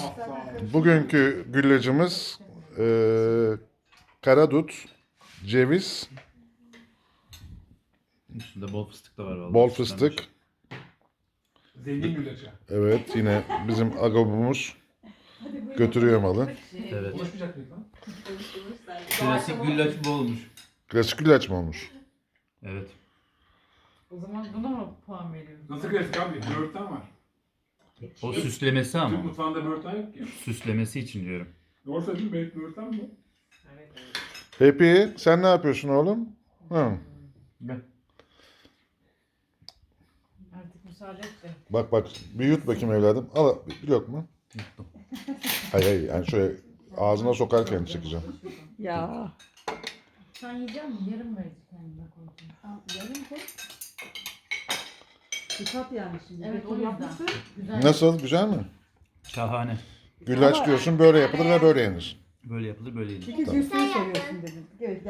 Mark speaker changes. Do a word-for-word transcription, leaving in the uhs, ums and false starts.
Speaker 1: Bugünkü güllacımız eee karadut, ceviz,
Speaker 2: Üstünde bol fıstık da var vallahi.
Speaker 1: bol fıstık.
Speaker 3: Zengin güllaçı.
Speaker 1: Evet, yine bizim agobumuz götürüyor malı.
Speaker 2: Evet.
Speaker 3: Konuşmayacak mıyız lan?
Speaker 2: Klasik güllaç bu olmuş.
Speaker 1: Klasik güllaç mı olmuş?
Speaker 2: Evet.
Speaker 4: O zaman buna mı puan veriyoruz?
Speaker 3: Nasıl klasik abi? Böğürtlen var.
Speaker 2: O süslemesi
Speaker 3: Türk
Speaker 2: ama.
Speaker 3: mutfağında böğürtlen yok ki.
Speaker 2: Süslemesi için diyorum.
Speaker 3: Doğru söyledin mi? Böğürtlen mi?
Speaker 4: Evet, evet.
Speaker 1: Happy, sen ne yapıyorsun oğlum? Hı.
Speaker 2: Ben.
Speaker 4: Artık müsaade et de.
Speaker 1: Bak bak, bir yut bakayım evladım. Al bir lokma. Hayır hayır, yani şöyle ağzına sokarken çekeceğim.
Speaker 5: Ya.
Speaker 4: Sen yiyecek misin? Yarım verecek kendine koyacağım.
Speaker 5: Al, yarım koy. Dikkat yani şimdi.
Speaker 4: Evet, o
Speaker 5: Beton
Speaker 4: yüzden.
Speaker 5: yapmışsın.
Speaker 4: Güzel.
Speaker 1: Nasıl, güzel mi?
Speaker 2: Şahane.
Speaker 1: Güllaç diyorsun, böyle yapılır ve böyle yenir.
Speaker 2: Böyle yapılır böyle yenir.
Speaker 5: İki cüsünü soruyorsun dedim. Evet.